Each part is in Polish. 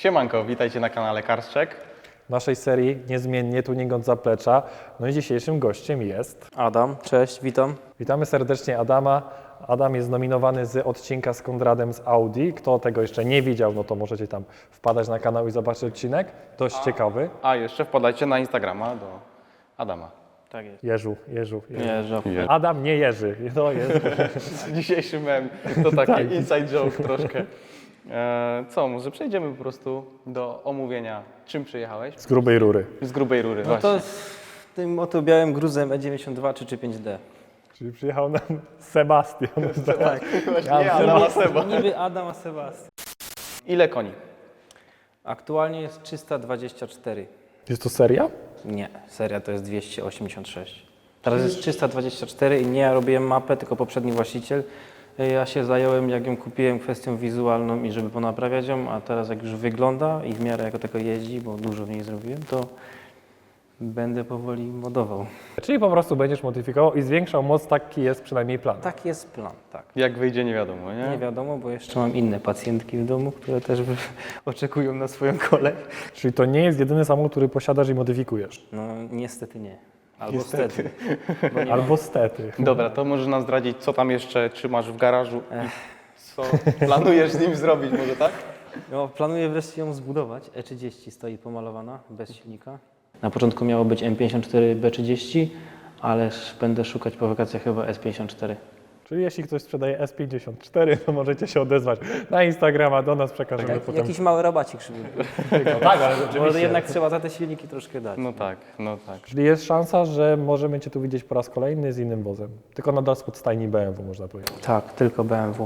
Siemanko, witajcie na kanale Karszczek. Naszej serii niezmiennie tuning od zaplecza. No i dzisiejszym gościem jest... Adam, cześć, witam. Witamy serdecznie Adama. Adam jest nominowany z odcinka z Konradem z Audi. Kto tego jeszcze nie widział, no to możecie tam wpadać na kanał i zobaczyć odcinek. Dość ciekawy. A jeszcze wpadajcie na Instagrama do Adama. Tak jest. Jeżu. Nie, żartuję. Adam nie Jerzy. No jest. Dzisiejszy mem to taki inside joke troszkę. Co, może przejdziemy po prostu do omówienia, czym przyjechałeś? Z grubej rury. Z grubej rury, No właśnie. to z tym oto białym gruzem E92 czy 5D. Czyli przyjechał nam Sebastian. Tak. Właśnie nie, Adama Seba. Niby Adam, a Sebastian. Ile koni? Aktualnie jest 324. Jest to seria? Nie, seria to jest 286. Teraz jest 324 i nie ja robiłem mapę, tylko poprzedni właściciel. Ja się zająłem, jak ją kupiłem, kwestią wizualną i żeby ponaprawiać ją, a teraz jak już wygląda i w miarę jako tego jeździ, bo dużo w niej zrobiłem, to będę powoli modował. Czyli po prostu będziesz modyfikował i zwiększał moc, taki jest przynajmniej plan. Tak jest plan, tak. Jak wyjdzie, nie wiadomo, nie? Nie wiadomo, bo jeszcze mam inne pacjentki w domu, które też oczekują na swoją kolej. Czyli to nie jest jedyny samochód, który posiadasz i modyfikujesz. No niestety nie. Albo stety. Bo nie Albo stety. Dobra, to możesz nam zdradzić, co tam jeszcze trzymasz w garażu i co planujesz z nim zrobić, może tak? No, planuję wreszcie ją zbudować. E30 stoi pomalowana, bez silnika. Na początku miało być M54 B30, ale będę szukać po wakacjach chyba S54. Czyli jeśli ktoś sprzedaje S54, to możecie się odezwać na Instagrama, do nas przekażemy potem. Jakiś mały rabacik, żeby No tak, ale bo rzeczywiście. jednak trzeba za te silniki troszkę dać. No tak, no tak. Czyli jest szansa, że możemy Cię tu widzieć po raz kolejny z innym wozem. Tylko nadal spod stajni BMW, można powiedzieć. Tak, tylko BMW.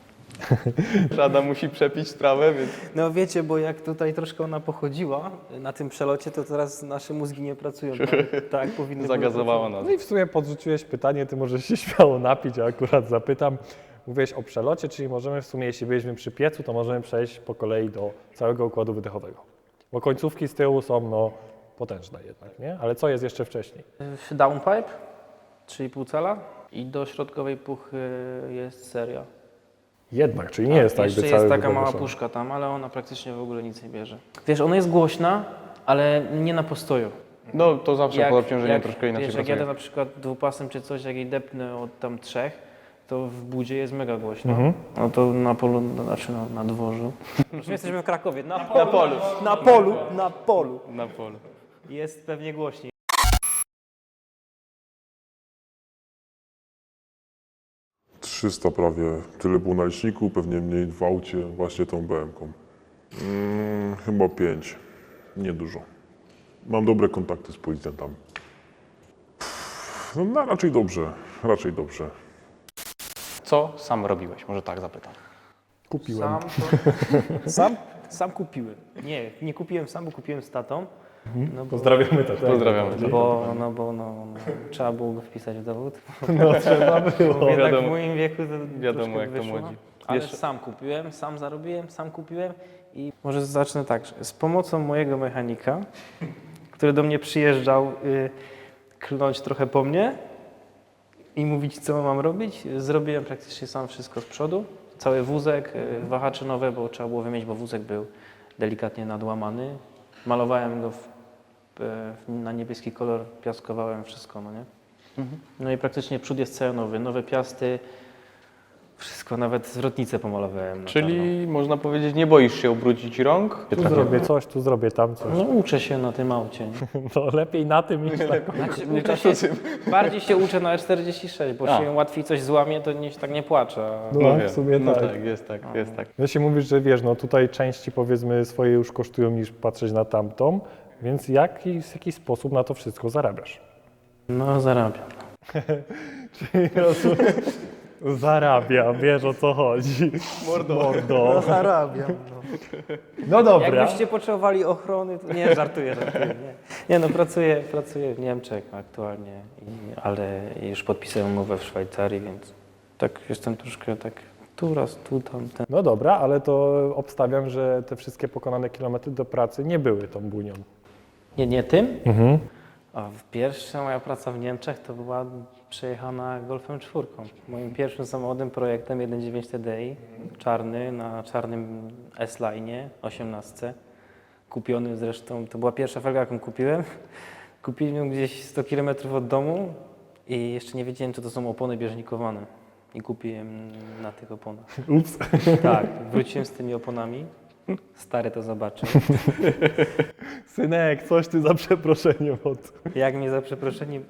Adam musi przepić sprawę, więc... No wiecie, bo jak tutaj troszkę ona pochodziła na tym przelocie, to teraz nasze mózgi nie pracują tak jak powinny. Zagazowała nas. No i w sumie podrzuciłeś pytanie, Ty możesz się śmiało napić, a akurat zapytam. Mówiłeś o przelocie, czyli możemy w sumie, jeśli byliśmy przy piecu, to możemy przejść po kolei do całego układu wydechowego. Bo końcówki z tyłu są no, potężne jednak, nie? Ale co jest jeszcze wcześniej? Downpipe, 3,5 cala i do środkowej puchy jest seria. Jednak, czyli nie jest tak, Jeszcze by jest cały taka wydech mała wyszedł. puszka tam, ale ona praktycznie w ogóle nic nie bierze. Wiesz, ona jest głośna, ale nie na postoju. No to zawsze pod obciążeniem troszkę inaczej wiesz, jak pracuje. jadę na przykład dwupasem czy coś, jak jej depnę od tam 3, to w budzie jest mega głośno. No to na polu, znaczy na dworzu. My jesteśmy w Krakowie, na polu. Na polu. Jest pewnie głośniej. - 300 prawie, tyle było na liczniku, pewnie mniej w aucie, właśnie tą BM-ką. Chyba 5, niedużo. Mam dobre kontakty z policjantami. No raczej dobrze. Co sam robiłeś? Może tak zapytam. Kupiłem. Sam kupiłem. Nie kupiłem sam, bo kupiłem z tatą. No bo, Pozdrawiamy to. Pozdrawiamy. no, trzeba było go wpisać w dowód. No trzeba było. Bo jednak wiadomo. w moim wieku to Wiadomo, troszkę jak to wyszło. młodzi. Ale Wiesz- sam kupiłem, sam zarobiłem, sam kupiłem i może zacznę tak, że z pomocą mojego mechanika, który do mnie przyjeżdżał klnąć trochę po mnie i mówić, co mam robić, zrobiłem praktycznie sam wszystko z przodu. Cały wózek, wahacze nowe, bo trzeba było wymienić, bo wózek był delikatnie nadłamany. Malowałem go na niebieski kolor, piaskowałem wszystko, no nie? No i praktycznie przód jest cały nowy, nowe piasty, wszystko, nawet zwrotnicę pomalowałem. na Czyli można powiedzieć, nie boisz się ubrudzić rąk? Tu zrobię coś, tu zrobię tam coś. czarno. No uczę się na tym aucie. Nie? No lepiej na tym niż tak. Znaczy, bardziej się uczę na E46, bo się łatwiej coś złamie, to tak nie płaczę. No, wiem. w sumie No tak. tak, jest tak, jest tak. Jeśli mówisz, że wiesz, no tutaj części powiedzmy swoje już kosztują niż patrzeć na tamtą, więc w jaki sposób na to wszystko zarabiasz? No zarabiam. Zarabiam, wiesz o co chodzi. Mordo. Zarabiam. No dobra. Jakbyście potrzebowali ochrony, to nie, żartuję. Nie no, pracuję w Niemczech aktualnie, ale już podpisałem umowę w Szwajcarii, więc tak jestem troszkę tak tu raz, tu tamten. No dobra, ale to obstawiam, że te wszystkie pokonane kilometry do pracy nie były tą bunią. Nie tym? A pierwsza moja praca w Niemczech to była przejechana Golfem 4. Moim pierwszym samochodem, projektem 1.9 TDI, czarny, na czarnym S-Line 18. Kupiony zresztą, to była pierwsza felga, jaką kupiłem. Kupiłem ją gdzieś 100 km od domu i jeszcze nie wiedziałem, czy to są opony bieżnikowane. I kupiłem na tych oponach. Ups. Tak, wróciłem z tymi oponami. Stary to zobaczył. Synek, coś ty za przeproszeniem od... Jak mnie za przeproszeniem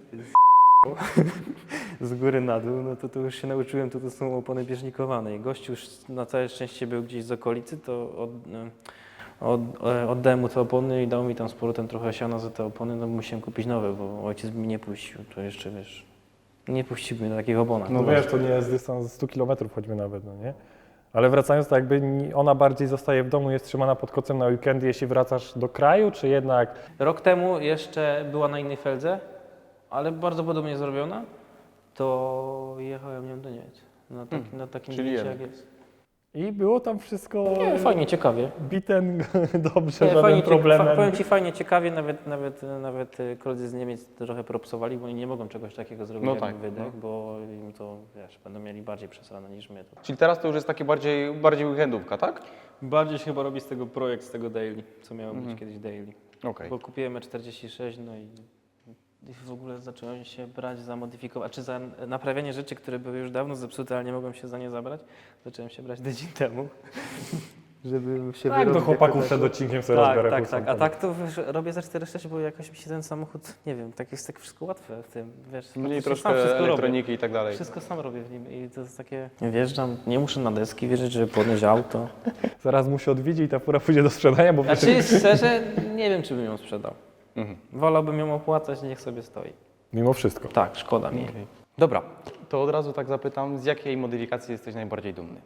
z góry na dół, no to już się nauczyłem, to są opony bieżnikowane. I gościu już na całe szczęście był gdzieś z okolicy, to oddałem mu te opony i dał mi tam z powrotem trochę siana za te opony, no musiałem kupić nowe, bo ojciec mi nie puścił. To jeszcze, wiesz, nie puściłby mnie na takich oponach. No wiesz, to nie jest dystans 100 km choćby nawet, no nie? Ale wracając, to jakby ona bardziej zostaje w domu, jest trzymana pod kocem na weekendy, jeśli wracasz do kraju, czy jednak... Rok temu jeszcze była na innej feldze, ale bardzo podobnie zrobiona, to jechałem nią do Niemiec. Na takim Czyli zdjęciu, jednak. jak jest. I było tam wszystko Nie, fajnie, ciekawie. biten dobrze, Nie, żaden fajnie, problem. powiem Ci fajnie, ciekawie, nawet koledzy z Niemiec trochę propsowali, bo oni nie mogą czegoś takiego zrobić No jak tak, wydech, bo im to, wiesz, będą mieli bardziej przesrane niż my. To. Czyli teraz to już jest takie bardziej weekendówka, tak? Bardziej się chyba robi z tego projekt, z tego daily, co miało być kiedyś daily. Okej. Bo kupiłem E46, no i w ogóle zacząłem się brać za modyfikowanie, czy za naprawianie rzeczy, które były już dawno zepsute, ale nie mogłem się za nie zabrać. Zacząłem się brać tydzień temu, żeby się Tak, do wyrobić chłopaków jako przed tako. odcinkiem sobie Tak, rozbiorę tak, tak. A tak to wiesz, robię za 4,6, bo jakoś mi się ten samochód, nie wiem, tak jest tak wszystko łatwe w tym, wiesz. Mniej praktycznie troszkę sam wszystko elektroniki i tak dalej. Wszystko sam robię w nim i to jest takie, wjeżdżam, nie muszę na deski wierzyć, żeby podnieść auto. Zaraz mu się odwiedzi i ta fura pójdzie do sprzedania, bo... Znaczy szczerze, nie wiem, czy bym ją sprzedał. Wolałbym ją opłacać, niech sobie stoi. Mimo wszystko. Tak, szkoda mi. Dobra, to od razu tak zapytam, z jakiej modyfikacji jesteś najbardziej dumny?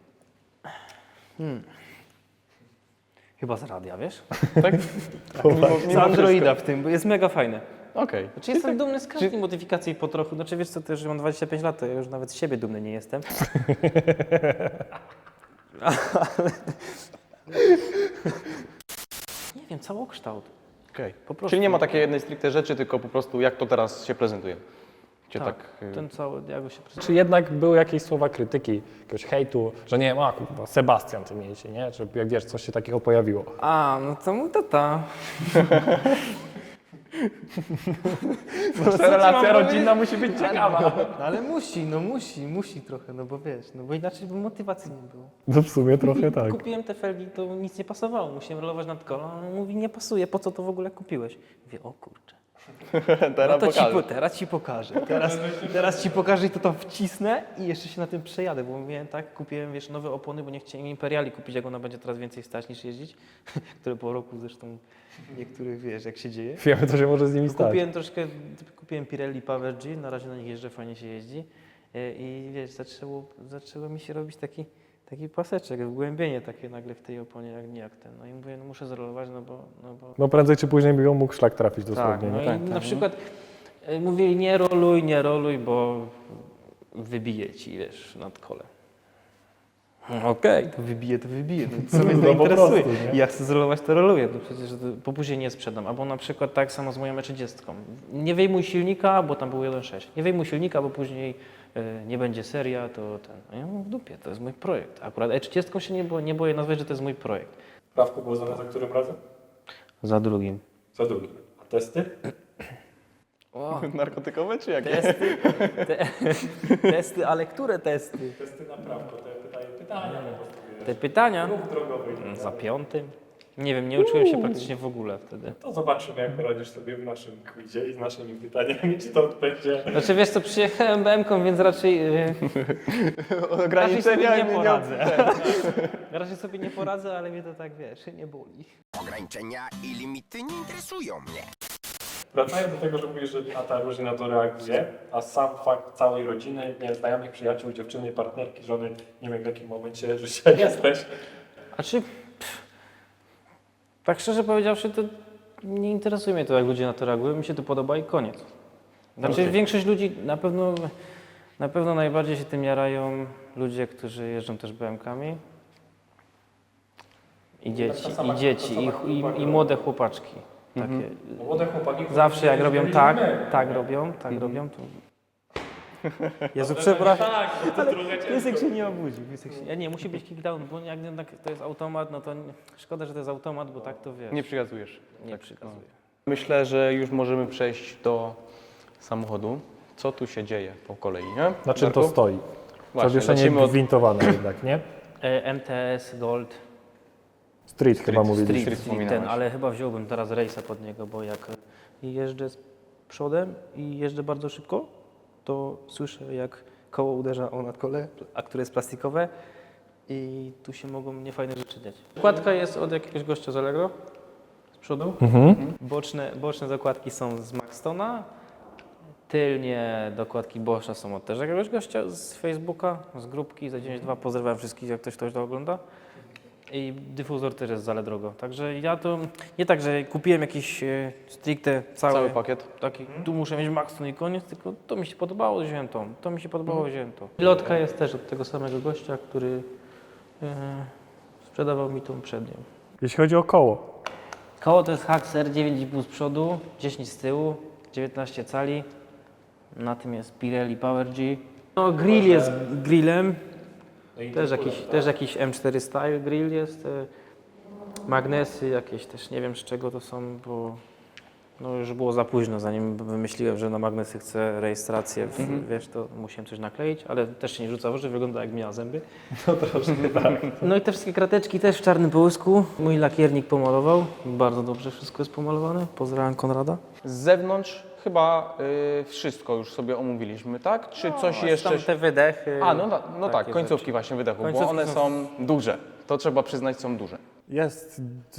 Chyba z radia, wiesz? Tak? Z Androida w tym, bo jest mega fajne. Okej. Znaczy jestem dumny z każdej modyfikacji po trochu. Znaczy wiesz co, to już mam 25 lat, to ja już nawet z siebie dumny nie jestem. Nie wiem, całokształt. Okej. Po prostu. Czyli nie ma takiej jednej stricte rzeczy, tylko po prostu jak to teraz się prezentuje. Cię Tak, tak ten cały, jak go się prezentuje. Czy jednak były jakieś słowa krytyki, jakiegoś hejtu, że nie wiem, a kurwa, Sebastian ty mieliście, nie? Czy jak wiesz, coś się takiego pojawiło? A, no to mój tata. Ta relacja rodzinna musi być ciekawa. No ale musi trochę, no bo wiesz, no bo inaczej by motywacji nie było. No w sumie trochę tak. Kupiłem te felgi, to nic nie pasowało, musiałem rolować nad kolą, a on mówi, nie pasuje, po co to w ogóle kupiłeś? Mówię, o kurczę. teraz No to pokażę. teraz ci pokażę. Teraz ci pokażę i to tam wcisnę i jeszcze się na tym przejadę, bo mówiłem tak, kupiłem wiesz, nowe opony, bo nie chciałem Imperiali kupić, jak ona będzie teraz więcej stać niż jeździć, które po roku zresztą niektórych wiesz, jak się dzieje. Wiemy, co się może z nimi stać. Kupiłem Pirelli Power G, na razie na nich jeżdżę, fajnie się jeździ i wiesz, zaczęło mi się robić taki paseczek, wgłębienie takie nagle w tej oponie, jak ten. No i mówię, no muszę zrolować, no bo... No prędzej czy później by ją mógł szlak trafić Tak, dosłownie. no nie? i Tak, na tak. przykład mówili nie roluj, bo wybije ci, wiesz, nad kole. Okej, to wybije. No, co mnie to No po interesuje? prostu, nie? Jak chcę zrolować, to roluję. No przecież to później nie sprzedam. Albo na przykład tak samo z moją E30. Nie wyjmuj silnika, bo tam był 1.6. Nie wyjmuj silnika, bo później nie będzie seria, to ten. No ja mam w dupie, to jest mój projekt. Akurat E30 się nie boję nazwać, że to jest mój projekt. Prawko było za którym razem? Za drugim. Za drugim. A testy? O, Narkotykowe czy jakie? testy, ale które testy? Testy na prawko, te pytania. Te pytania? drogowy. Za 5. Nie wiem, nie uczyłem się praktycznie w ogóle wtedy. To zobaczymy, jak poradzisz sobie w naszym quizie i z naszymi pytaniami, czy to będzie... Znaczy wiesz co, przyjechałem BM-ką, więc raczej Ograniczenia nie poradzę. Raczej sobie nie poradzę, ale mnie to tak, wiesz, nie boli. Ograniczenia i limity nie interesują mnie. Wracając do tego, że mówisz, że tata różnie na to reaguje, a sam fakt całej rodziny, nie wiem, znajomych, przyjaciół, dziewczyny, partnerki, żony, nie wiem w jakim momencie życia jesteś. Znaczy, tak szczerze powiedziawszy, to nie interesuje mnie to, jak ludzie na to reagują. Mi się to podoba i koniec. Znaczy, Okej. większość ludzi na pewno najbardziej się tym jarają ludzie, którzy jeżdżą też BM-kami. I dzieci, i młode chłopaczki. Takie. Młode chłopaki... Zawsze jak robią tak robią, to... Jezu, przepraszam, ale piesek się nie obudzi. Nie, musi być kickdown, bo jak jednak to jest automat, no to szkoda, że to jest automat, bo tak to wiesz. Nie przykazujesz. Nie przykazuje. Myślę, że już możemy przejść do samochodu. Co tu się dzieje po kolei, nie? Na czym to Darku? stoi? Właśnie, Zawieszenie zacznijmy od gwintowane jednak, nie? MTS Gold Street chyba mówiliśmy. Street wspominałeś. ten, ale chyba wziąłbym teraz rejsa pod niego, bo jak jeżdżę z przodem i jeżdżę bardzo szybko, to słyszę jak koło uderza o nadkole, a które jest plastikowe i tu się mogą niefajne rzeczy dziać. Zakładka jest od jakiegoś gościa z Allegro z przodu. Boczne zakładki są z Maxtona. Tylnie dokładki Boscha są od też jakiegoś gościa z Facebooka, z grupki za 92. Pozdrawiam wszystkich, jak ktoś to ogląda. I dyfuzor też jest z Allegro. Także ja to nie tak, że kupiłem jakiś stricte cały pakiet. taki, tu muszę mieć Maxton i koniec, tylko to mi się podobało, wziąłem to. To mi się podobało, wziąłem to. Pilotka jest też od tego samego gościa, który sprzedawał mi tą przednią. Jeśli chodzi o koło, Koło to jest Haxer 9,5 z przodu, 10 z tyłu, 19 cali. Na tym jest Pirelli Power G. No, grill jest grillem. Też jakiś M4 Style grill jest. Magnesy jakieś też nie wiem z czego to są, bo no już było za późno, zanim wymyśliłem, że na magnesy chcę rejestrację, wiesz, to musiałem coś nakleić, ale też się nie rzuca w oczy, wygląda jak miała zęby. to troszkę tak. No i te wszystkie krateczki też w czarnym połysku. Mój lakiernik pomalował, bardzo dobrze wszystko jest pomalowane. Pozdrawiam Konrada. Z zewnątrz chyba wszystko już sobie omówiliśmy, tak? Czy coś jeszcze? Tam te wydechy. A, no tak, takie końcówki rzeczy. właśnie wydechu, bo Końcówki one są- są duże. To trzeba przyznać, są duże. Jest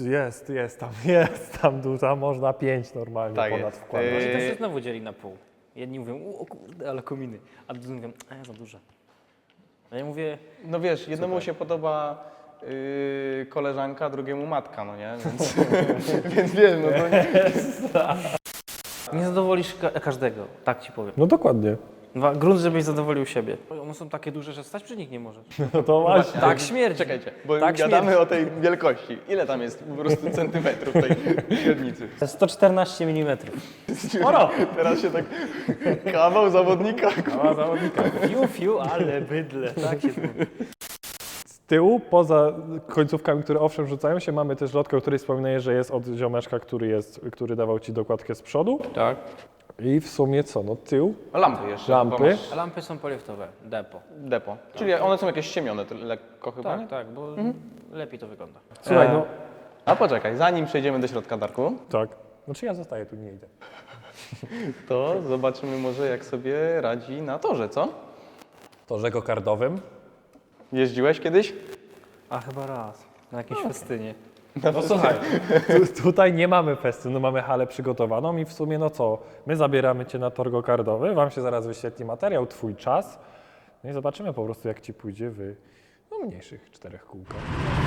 tam duża, można 5 normalnie Tak ponad jest. wkładać. Właśnie to się znowu dzieli na pół. Jedni mówią, o kurde, ale kominy, a drudzy mówią, za duże. A ja mówię, No wiesz, jednemu się podoba koleżanka, drugiemu matka, no nie? Więc, więc wiesz, no to nie. nie zadowolisz każdego, tak ci powiem. No dokładnie. Grunt, żebyś zadowolił siebie. One są takie duże, że stać przy nich nie możesz. No to właśnie. Tak śmierci. Czekajcie, bo Tak gadamy o tej wielkości. Ile tam jest po prostu centymetrów tej średnicy? 114 mm. Sporo! Teraz się tak kawał zawodnika. A zawodnika. Fiu, ale bydle, tak się mówi. Z tyłu, poza końcówkami, które owszem rzucają się, mamy też lotkę, o której wspominałeś, że jest od ziomeczka, który dawał ci dokładkę z przodu. Tak. I w sumie co, no tył, Lampy jeszcze. Lampy. chyba masz A lampy są poliftowe, depo. Depo. Czyli one są jakieś ściemione lekko chyba, nie? Tak, bo lepiej to wygląda. słuchaj, no A poczekaj, zanim przejdziemy do środka, Darku, tak. Znaczy ja zostaję tu, nie idę. to zobaczymy może jak sobie radzi na torze, co? Torze gokardowym. Jeździłeś kiedyś? A chyba raz, na jakimś festynie. No słuchaj, tutaj nie mamy festynu, mamy halę przygotowaną i w sumie no co, my zabieramy cię na tor gokardowy, wam się zaraz wyświetli materiał, twój czas, no i zobaczymy po prostu jak ci pójdzie w mniejszych 4 kółkach.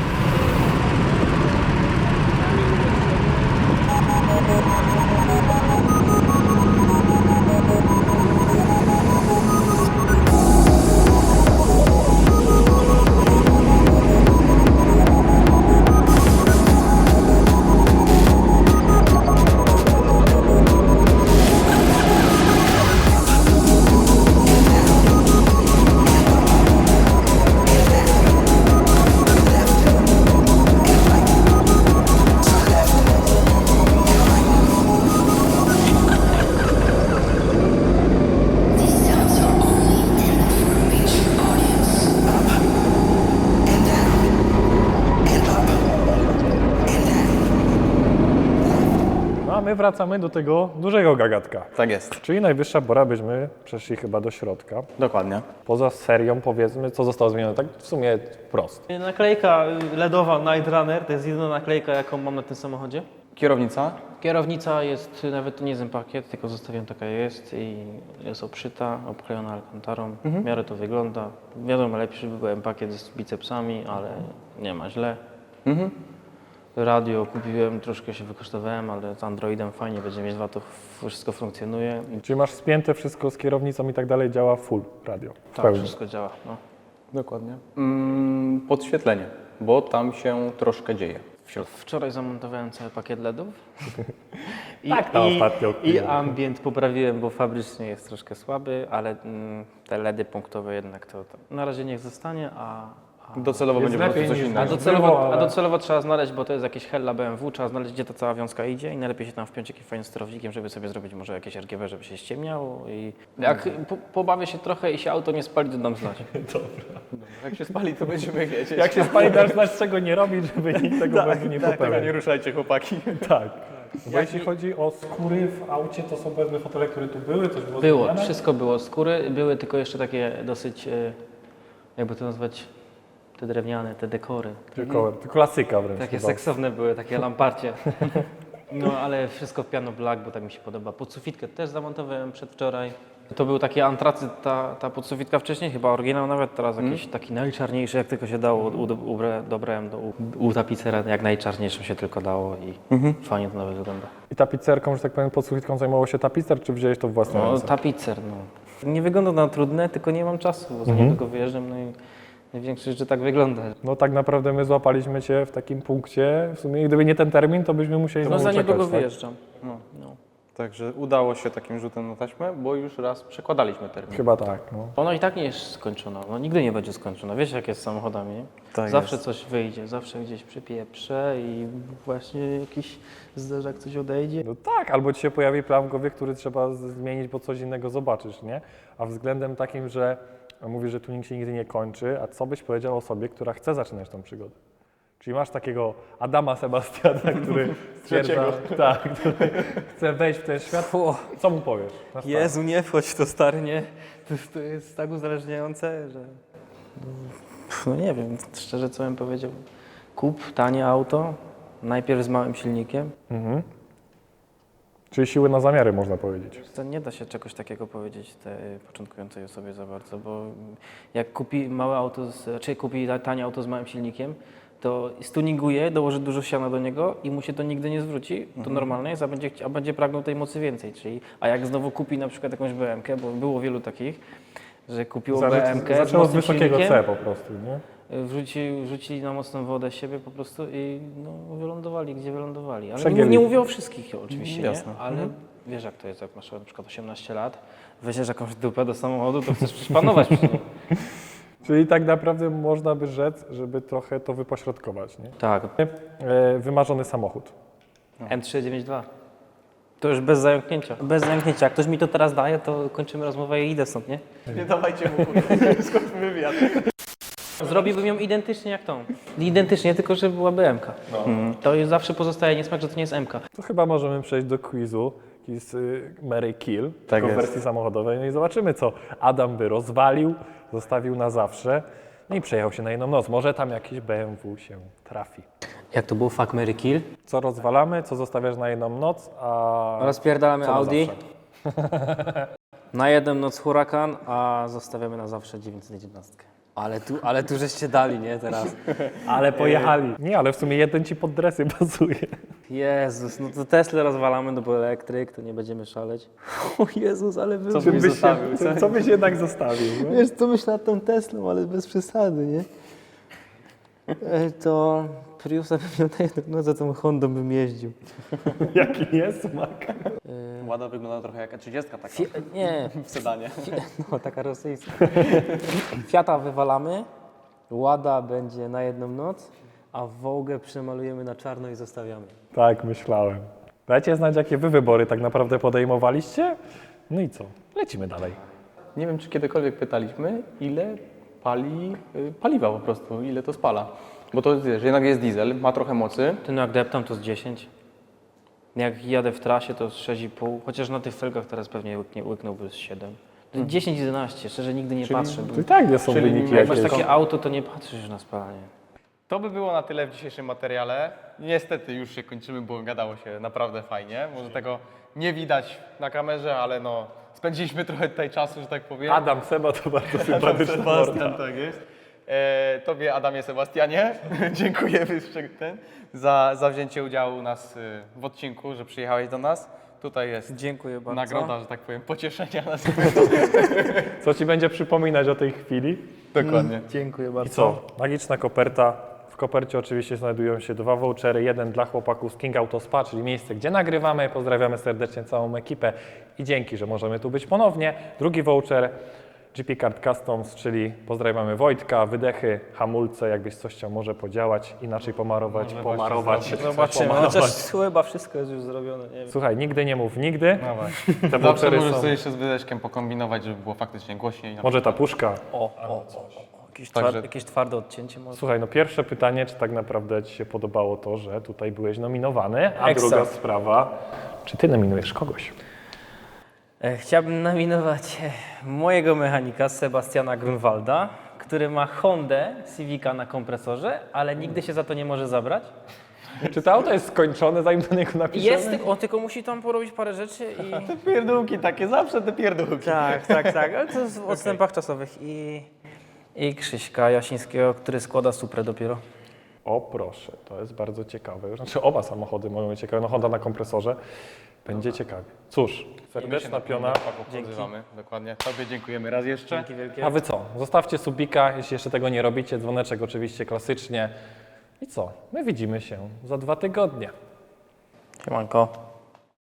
No a my wracamy do tego dużego gagatka. Tak jest. Czyli najwyższa pora, byśmy przeszli chyba do środka. Dokładnie. Poza serią powiedzmy, co zostało zmienione, tak w sumie prosto. Naklejka LEDowa Night Runner, to jest jedyna naklejka, jaką mam na tym samochodzie. Kierownica? Kierownica jest, nawet to nie jest pakiet, tylko zostawiam taka jest i jest obszyta, obklejona alkantarą. W miarę to wygląda. Wiadomo, lepszy by był pakiet z bicepsami, ale nie ma źle. Radio kupiłem, troszkę się wykosztowałem, ale z Androidem fajnie będzie mieć to wszystko funkcjonuje. Czyli masz spięte wszystko z kierownicą i tak dalej, działa full radio. W Tak, pełni. wszystko działa. No. Dokładnie. Podświetlenie, bo tam się troszkę dzieje. Wczoraj zamontowałem cały pakiet LEDów. Tak, na ostatnio I chwilę. ambient poprawiłem, bo fabrycznie jest troszkę słaby, ale te LEDy punktowe jednak to na razie niech zostanie, a Docelowo Jest będzie po prostu lepiej coś niż- innego. Było, ale- docelowo trzeba znaleźć, bo to jest jakieś hella BMW, trzeba znaleźć, gdzie ta cała wiązka idzie i najlepiej się tam wpiąć jakimś fajnym sterownikiem, żeby sobie zrobić może jakieś RGB, żeby się ściemniało i jak pobawię się trochę i się auto nie spali, to dam znać. Jak się spali, to będziemy wiedzieć. Jak się spali, dasz znać, czego nie robić, żeby nikt tego błędu nie Tego popełnił. nie ruszajcie, chłopaki. Tak. Bo jeśli chodzi o skóry w aucie, to są pewne fotele, które tu były, coś było Było, zmieniane? wszystko było. Skóry były tylko jeszcze takie dosyć, jakby to nazwać, te drewniane, te dekory. Tylko klasyka wręcz. Takie chyba. seksowne były, takie lamparcie. No ale wszystko w piano black, bo tak mi się podoba. Podsufitkę też zamontowałem przedwczoraj. To był taki antracyt, ta podsufitka wcześniej, chyba oryginał nawet, teraz jakiś taki najczarniejszy, jak tylko się dało. Dobrałem u tapicera, jak najczarniejszym się tylko dało i fajnie to nawet wygląda. I tapicerką, że tak powiem, pod sufitką zajmował się tapicer, czy wziąłeś to w własne No, ręce? tapicer, no. Nie wygląda na trudne, tylko nie mam czasu, bo za niedługo wyjeżdżam, no i największe rzeczy tak wygląda. No tak naprawdę my złapaliśmy Cię w takim punkcie, w sumie gdyby nie ten termin, to byśmy musieli No znowu za niedługo czekać, tak? wyjeżdżam. No. Także udało się takim rzutem na taśmę, bo już raz przekładaliśmy termin. Chyba tak, no. Ono i tak nie jest skończone, no nigdy nie będzie skończone. Wiesz jak jest z samochodami, nie? Tak Zawsze jest. coś wyjdzie, zawsze gdzieś przypieprze i właśnie jakiś zderzak coś odejdzie. No tak, albo Ci się pojawi plan w głowie, który trzeba zmienić, bo coś innego zobaczysz, nie? A względem takim, że mówisz, że tuning się nigdy nie kończy, a co byś powiedział osobie, która chce zaczynać tą przygodę? Czyli masz takiego Adama Sebastiana, który stwierdza, tak, który chce wejść w ten świat. Co mu powiesz? Na start? Jezu, nie wchodź w to stary, nie? To jest tak uzależniające, że... No nie wiem, szczerze co bym powiedział. Kup tanie auto, najpierw z małym silnikiem. Czyli siły na zamiary, można powiedzieć. To nie da się czegoś takiego powiedzieć tej początkującej osobie za bardzo, bo jak kupi małe auto, czy kupi tanie auto z małym silnikiem, to stuninguje, dołoży dużo siana do niego i mu się to nigdy nie zwróci, to normalne jest, a będzie pragnął tej mocy więcej. A jak znowu kupi na przykład jakąś BM-kę, bo było wielu takich, że kupiło BM-kę z Zaczęło z mocnym wysokiego silnikiem, C po prostu, nie? wrzucili na mocną wodę siebie po prostu i no, wylądowali, gdzie wylądowali. Ale Przegięli. nie mówię o wszystkich oczywiście, Jasne. nie? Ale wiesz jak to jest, jak masz na przykład 18 lat, weźmiesz jakąś dupę do samochodu, to chcesz przecież panować przy nim. Czyli tak naprawdę można by rzec, żeby trochę to wypośrodkować, nie? Tak, Wymarzony samochód. M392. To już bez zająknięcia. Bez zająknięcia. Jak ktoś mi to teraz daje, to kończymy rozmowę i idę stąd, nie? Nie dawajcie mu skąd wywiad. Zrobiłbym ją identycznie jak tą. Identycznie, tylko że byłaby M-ka. To już zawsze pozostaje niesmak, że to nie jest M-ka. To chyba możemy przejść do quizu. Jest Mary Kill, Tak tylko w jest. wersji samochodowej. No i zobaczymy, co Adam by rozwalił, zostawił na zawsze. No i przejechał się na jedną noc. Może tam jakieś BMW się trafi. Jak to było fuck, marry, kill? Co rozwalamy, co zostawiasz na jedną noc, a Rozpierdalamy co na Audi. zawsze? Na jedną noc hurakan, a zostawiamy na zawsze 911. Ale tu żeście dali, nie, teraz? Ale pojechali. Nie, ale w sumie jeden ci pod dresy pasuje. Jezus, no to Tesla rozwalamy, no bo elektryk, to nie będziemy szaleć. O Jezus, ale wy... Co byś zostawił? Co byś jednak zostawił? No? Wiesz, co myślę nad tą Teslą, ale bez przesady, nie? To Priusa bym miał na jedną noc, za tą Hondą bym jeździł. Jaki jest smak? Łada wygląda trochę jak 30 taka Nie, w sedanie. no taka rosyjska. Fiata wywalamy, Łada będzie na jedną noc, a Wołgę przemalujemy na czarno i zostawiamy. Tak, myślałem. Dajcie znać, jakie wy wybory tak naprawdę podejmowaliście. No i co? Lecimy dalej. Nie wiem, czy kiedykolwiek pytaliśmy, ile pali paliwa po prostu, ile to spala. Bo to wiesz, jednak jest diesel, ma trochę mocy. Ty no jak deptam to z 10. Jak jadę w trasie to z 6,5, chociaż na tych felgach teraz pewnie łyknąłby z 7. 10-11, szczerze nigdy nie patrzę. Bo To i tak nie są Czyli wyniki jak jak masz jakieś. takie auto, to nie patrzysz na spalanie. To by było na tyle w dzisiejszym materiale. Niestety już się kończymy, bo gadało się naprawdę fajnie. Może tego nie widać na kamerze, ale no spędziliśmy trochę tutaj czasu, że tak powiem. Adam Seba to bardzo sympatyczny Sebastian, tak jest. Tobie, Adamie Sebastianie, dziękujemy za wzięcie udziału u nas w odcinku, że przyjechałeś do nas. Tutaj jest Dziękuję bardzo. nagroda, że tak powiem, pocieszenia nas. Co ci będzie przypominać o tej chwili? Dokładnie. Dziękuję bardzo. I co? Magiczna koperta W kopercie oczywiście znajdują się 2 vouchery, jeden dla chłopaków z King Auto Spa, czyli miejsce, gdzie nagrywamy. Pozdrawiamy serdecznie całą ekipę i dzięki, że możemy tu być ponownie. Drugi voucher GP Card Customs, czyli pozdrawiamy Wojtka, wydechy, hamulce, jakbyś coś chciał może podziałać, inaczej pomarować. Zobaczymy. Chociaż chyba wszystko jest już zrobione. Nie wiem. Słuchaj, nigdy nie mów nigdy. No właśnie. Te Zawsze vouchery możesz są. sobie jeszcze z wydeczkiem pokombinować, żeby było faktycznie głośniej. Może ta puszka. Także- Jakieś twarde odcięcie może. Słuchaj, no pierwsze pytanie, czy tak naprawdę Ci się podobało to, że tutaj byłeś nominowany, a Ekstra. druga sprawa, czy Ty nominujesz kogoś? Chciałbym nominować mojego mechanika Sebastiana Grunwalda, który ma Hondę Civica na kompresorze, ale nigdy się za to nie może zabrać. Czy to auto jest skończone, zanim do niego napiszemy? Jest, on tylko musi tam porobić parę rzeczy i... Te pierdółki takie, zawsze te pierdółki. Tak, ale to jest w odstępach czasowych. I Krzyśka Jasińskiego, który składa Suprę dopiero. O proszę, to jest bardzo ciekawe. Znaczy oba samochody mogą być ciekawe, no Honda na kompresorze. Będzie ciekawie. Cóż, serdeczna piona. Odzywamy, dokładnie. Tobie dziękujemy raz jeszcze. Dzięki wielkie. A Wy co? Zostawcie subika, jeśli jeszcze tego nie robicie, dzwoneczek oczywiście klasycznie. I co? My widzimy się za 2 tygodnie. Siemanko.